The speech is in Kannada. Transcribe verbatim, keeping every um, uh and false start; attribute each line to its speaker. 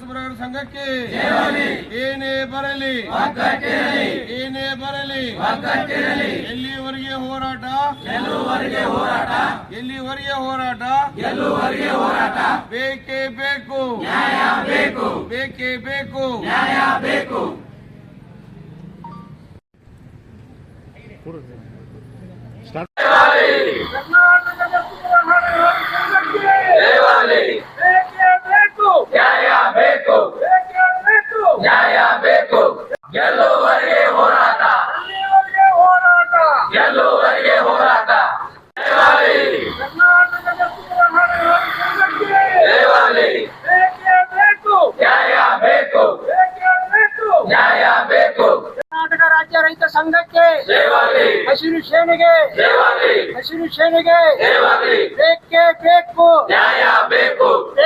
Speaker 1: ಕಸಬರಗಾರ ಸಂಘಕ್ಕೆ ಏನೇ ಬರಲಿ ಏನೇ ಬರಲಿ ಎಲ್ಲಿವರೆಗೆ ಹೋರಾಟ ಎಲ್ಲಿವರೆಗೆ ಹೋರಾಟ ಬೇಕೇ ಬೇಕು ಬೇಕೇ ಬೇಕು
Speaker 2: ಗೆಲ್ಲುವರೆಗೆ ಹೋರಾಟ ಗೆಲ್ಲುವರೆಗೆ ಹೋರಾಟ ಕರ್ನಾಟಕದ ಬೇಕೇ ಬೇಕು ನ್ಯಾಯ ಬೇಕು ನ್ಯಾಯ ಬೇಕು
Speaker 3: ಕರ್ನಾಟಕ ರಾಜ್ಯ ರೈತ ಸಂಘಕ್ಕೆ ಹಸಿರು ಸೇನೆಗೆ ಹಸಿರು ಸೇನೆಗೆ
Speaker 2: ಬೇಕೇ
Speaker 3: ಬೇಕು
Speaker 2: ನ್ಯಾಯ ಬೇಕು